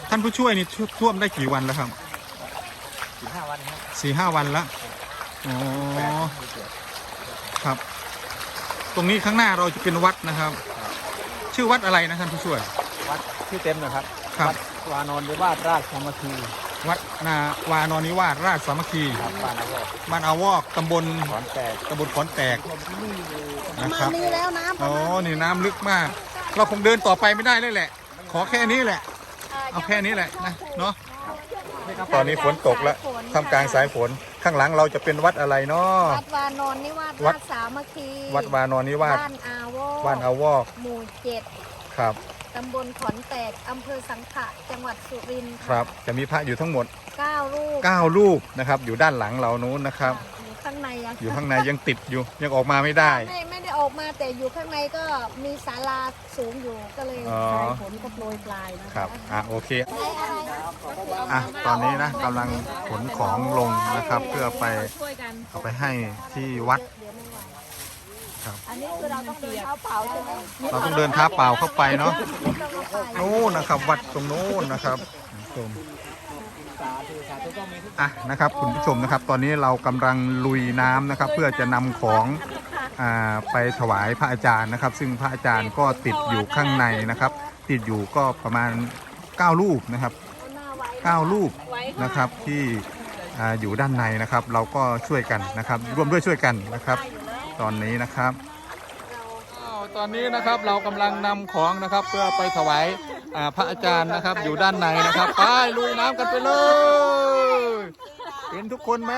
ท่านผู้ช่วยนี่ท่วมได้กี่วันแล้วครับ 4-5 วันครับ 4-5 วันแล้วอ๋อครับ ตรงนี้ข้างหน้าเราจะเป็นวัดนะครับ ชื่อวัดอะไรนะท่านผู้ช่วยวัดชื่อเต็มนะครับครับวัดวานอนหรือว่าราชสามัคคีวัดนาวานอนนิวาสราชสามัคคีครับบ้านอาวอกบ้านอาวอกตำบลขอนแตกขอนแตกนะครับนี่แล้วน้ำอ๋อนี่น้ำลึกมาก เราคงเดินต่อไปไม่ได้เลยแหละ ขอแค่นี้แหละ เอาแค่นี้แหละนะเนาะตอนนี้ฝนตกแล้วท่ามกลางสายฝนข้างหลังเราจะเป็นวัดอะไรเนาะวัดวานอนนิวาสวัราดชสามัคคีวัดวานอนนิวาสบ้านอาวอกบ้านอาวอกหมู่ครับ 7ตำบลขอนแตกอำเภอสังขะจังหวัดสุรินทร์ครับจะมีพระอยู่ทั้งหมด 9 รูป 9 รูปนะครับอยู่ด้านหลังเรานู้นนะครับอยู่ข้างในอะอยู่ข้างในยังติดอยู่ยังออกมาไม่ได้ไม่ได้ออกมาแต่อยู่ข้างในก็มีศาลาสูงอยู่ก็เลยอ๋อสายฝนก็โปรยปลายนะครับโอเคอะไรอะไรตอนนี้นะกำลังขนของลงนะครับ เพื่อไปช่วยกันเอาไปให้ที่วัดเดี๋ยวไม่ไหวครับอันนี้คือเราต้องเดินเท้าเปล่าใช่ไหมเราต้องเดินเท้าเปล่าเข้าไปเนาะไม่ต้องเอาไปนู้นนะครับ วัดตรงนู้นนะครับคุณผู้ชมนะครับคุณผู้ชมนะครับ ตอนนี้เรากำลังลุยน้ำนะครับ เพื่อจะนำของไปถวายพระอาจารย์นะครับ ซึ่งพระอาจารย์ก็ติดอยู่ข้างในนะครับ ติดอยู่ก็ประมาณ9 รูปนะครับ9 รูปนะครับที่อยู่ด้านในนะครับ เราก็ช่วยกันนะครับ ร่วมด้วยช่วยกันนะครับ ตอนนี้นะครับตอนนี้นะครับเรากำลังนำของนะครับ เพื่อไปถวายพระอาจารย์นะครับ อยู่ด้านในนะครับไปลุยน้ำกันไปเลยเห็นทุกคนไหม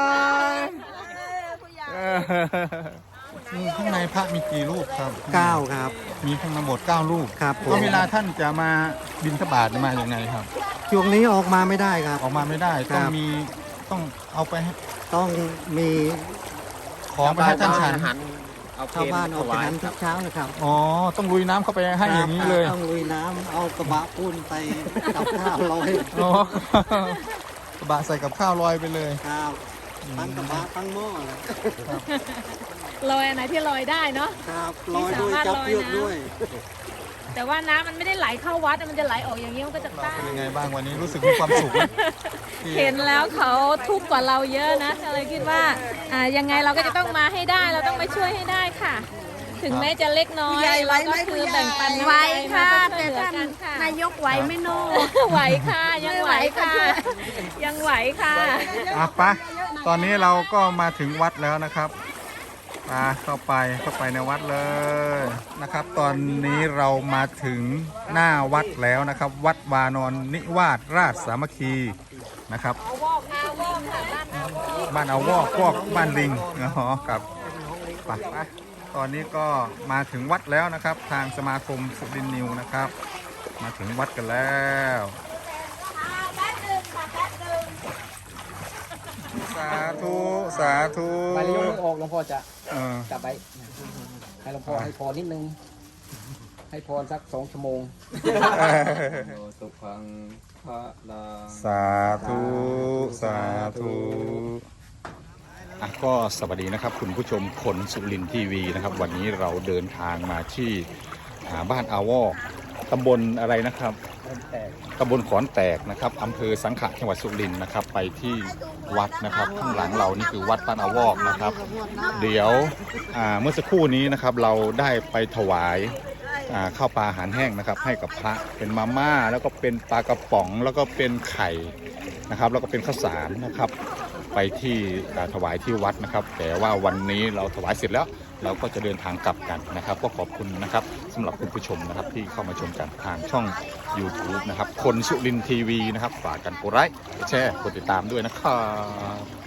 ข้างในพระมีกี่รูปครับ 9ครับมีทั้งหมด9 รูปครับผมก็เวลาท่านจะมาบิณฑบาตมาอย่างไงครับช่วงนี้ออกมาไม่ได้ครับออกมาไม่ได้ครับต้องเอาไปให้ต้องมีของไปให้ท่านฉันชาวบ้านออกไปนั้นทุกเช้านะครับอ๋อต้องลุยน้ำเข้าไปให้อย่างนี้เลยต้องลุยน้ำเอากระบะปูนไปกับข้าวลอยอ๋อกระบะใส่กับข้าวลอยไปเลยครับทั้งกระบะทั้งหม้อเลยลอยอันไหนที่ลอยได้เนาะครับลอยด้วยจับเชือกด้วยแต่ว่าน้ำมันไม่ได้ไหลเข้าวัดมันจะไหลออกอย่างนี้มันก็จะต้านเป็นยังไงบ้างวันนี้รู้สึกมีความสุขไหมที่เห็นแล้วเขาทุกข์กว่าเราเยอะนะก็เลยคิดว่ายังไงเราก็จะต้องมาให้ได้เราต้องไปช่วยให้ได้ค่ะ ถึงแม้จะเล็กน้อยเราก็คือแบ่งปันไหวค่ะแต่แต่ท่าท่านนค่ะนายกไหวไหม่โน่ไหวค่ะยังไหวค่ะยังไหวค่ะไปตอนนี้เราก็มาถึงวัดแล้วนะครับเข้าไปในวัดเลยนะครับ ตอนนี้เรามาถึงหน้าวัดแล้วนะครับ วัดวานอนนิวาสราชสามัคคีนะครับบ้านเอาวอกบ้านลิงกับไปตอนนี้ก็มาถึงวัดแล้วนะครับ ทางสมาคมสุรินทร์นิวนะครับ มาถึงวัดกันแล้วสาธุสาธุไปเลี้ยวออกหลวงพ่อจะเออกลับไปให้หลวงพ่อให้พรนิดนึง ให้พรสัก2 ชั่วโมงสุขังพระลังสาธุสาธุก็สวัสดีนะครับคุณผู้ชมคนสุรินทร์ทีวีนะครับ วันนี้เราเดินทางมาที่บ้านอาวอกตำบลอะไรนะครับตำบลขอนแตกนะครับอำเภอสังขะจังหวัดสุรินทร์นะครับ ไปที่วัดนะครับข้างหลังเรานี่คือวัดบ้านอาวอกนะครับ เดี๋ยวเมื่อสักครู่นี้นะครับเราได้ไปถวายข้าวปลาอาหารแห้งนะครับ ให้กับพระเป็นมาม่าแล้วก็เป็นปลากระป๋องแล้วก็เป็นไข่นะครับ แล้วก็เป็นข้าวสารนะครับ ไปที่ถวายที่วัดนะครับ แต่ว่าวันนี้เราถวายเสร็จแล้วเราก็จะเดินทางกลับกันนะครับ ก็ขอบคุณนะครับสำหรับคุณผู้ชมนะครับที่เข้ามาชมกันทางช่อง YouTube นะครับคนสุรินทร์ทีวีนะครับฝากกันกดไลค์กดแชร์กดติดตามด้วยนะครับ